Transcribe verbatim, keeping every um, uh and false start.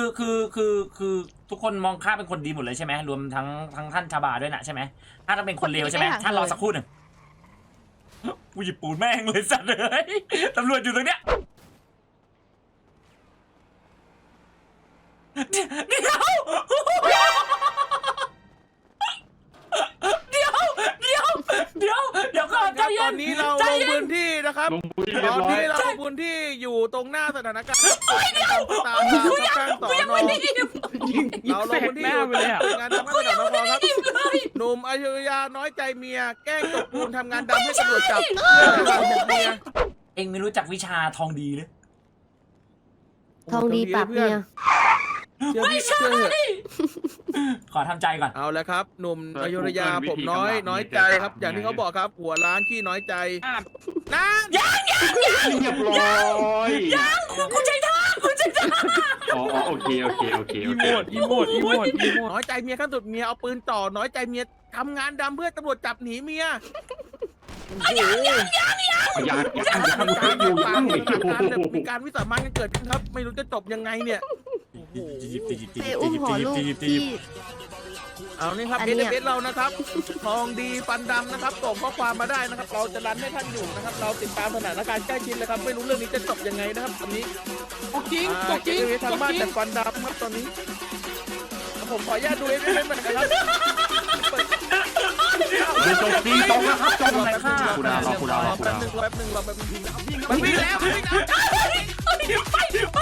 คือคือคือทุกคนมองข้าเป็นคนดีหมดเลยใช่ไหมรวมทั้งทั้งท่านชาบาด้วยนะใช่ไหมถ้าต้องเป็นคนเลวใช่ไหมท่านรอสักครู่หนึ่งกูหยิบปูนแม่งเลยสัตว์เลยตำรวจอยู่ตรงเนี้ยเดี๋ยวเดี๋ยวเดี๋ยวเดี๋ยวเดี๋ยวเดี๋ยวก่อนใจเย็ตอน นนี้เราใจลงเย็พื้นนที่นะครับลงพื้นที่ตเรียอบ นร้อยนี้เราลงพื้นที่อยู่ตรงหน้าสถานการณ์ตามตามกูยังตามกูสอยังนไม่ได้ยินเราลงพื้นที่อยู่งานทำงานตำรวจครับยินเลยหนุ่มอยุธยาน้อยใจเมียแกล้งตกปูนทำงานดำให้ตำรวจจับเพื่อจะจับเมียเอ็งไม่รู้จักวิชาทองดีหรือทองดีปรับเมียเชื่อพี่เชื่อเถอะขอทำใจก่อนเอาละครับ หนุ่มอยุธยาผมน้อยน้อยใจครับ อย่างที่เขาบอกครับ หัวร้านขี้น้อยใจนะยังยังยังเรียบร้อยยังกูใจท่ากูใจท่าอ๋ออ๋อโอเคโอเคโอเคโอเคอีโมดอีโมดอีโมดน้อยใจเมียขั้นสุดเมียเอาปืนจ่อน้อยใจเมียทำงานดำเพื่อตำรวจจับหนีเมียโอ้โหยังยังยังยังมีการอยู่ปายังมีโอ้การโหมีการวิสามันกันเกิดขึ้นครับ ไม่รู้จะจบยังไงเนี่ยไปอุ้มหัวลูกที่เอานี่ครับอันเอเนี้ยสเอสเรานะครับ ทองดีฟันดำนะครับส่งข้อความมาได้นะครับ เราจะรันให้ท่านอยู่นะครับ เราติดตามสถานการณ์ใกล้ชิดเลยครับ ไม่รู้เรื่องนี้จะจบยังไงนะครับตอนนี้จริงอ่าจริงเอสเอสทางบ้านแต่ฟันดำครับตอนนี้ ผมขออนุญาตดูเอสเอสเหมือนกันครับดูจบจริงจบแล้วครับจบแล้วค่ะรอคุณดาวรอคุณดาวรอคุณแป๊บดาวนึงรอแป๊บนึงรอแป๊บนึงมันวิ่งแล้วมันวิ่งแล้วไปไป